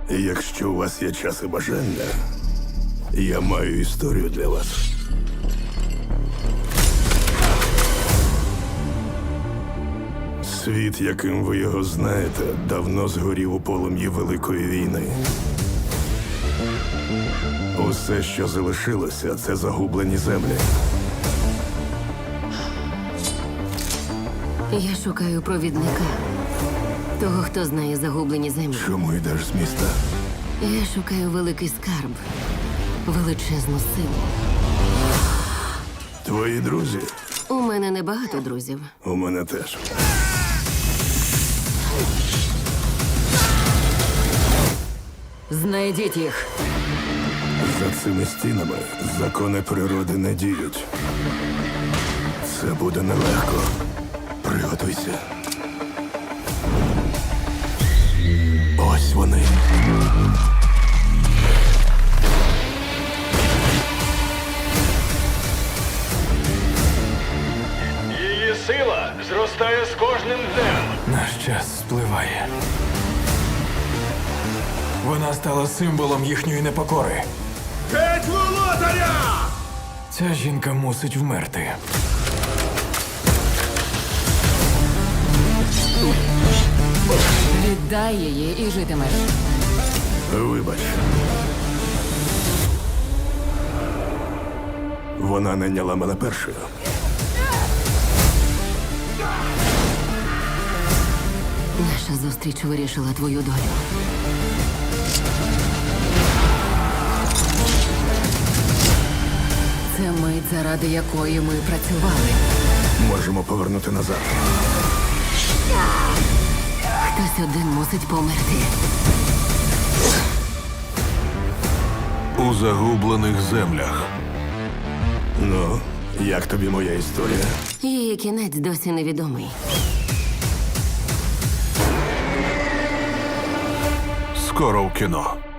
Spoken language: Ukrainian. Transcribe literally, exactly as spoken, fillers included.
Якщо у вас є час і бажання, я маю історію для вас. Світ, яким ви його знаєте, давно згорів у полум'ї Великої війни. Усе, що залишилося, це загублені землі. Я шукаю провідника. Того, хто знає загублені землі. Чому йдеш з міста? Я шукаю великий скарб. Величезну силу. Твої друзі? У мене небагато друзів. У мене теж. Знайдіть їх. За цими стінами закони природи не діють. Це буде нелегко. Приготуйся. Ось вони. Її сила зростає з кожним днем. Наш час спливає. Вона стала символом їхньої непокори. Геть володаря! Ця жінка мусить вмерти. Віддай її і житимеш. Вибач. Вона найняла мене першою. Наша зустріч вирішила твою долю. Це мить, заради якої ми працювали. Можемо повернути назад. Хтось один мусить померти. У загублених землях. Ну, як тобі моя історія? Її кінець досі невідомий. Скоро в кіно.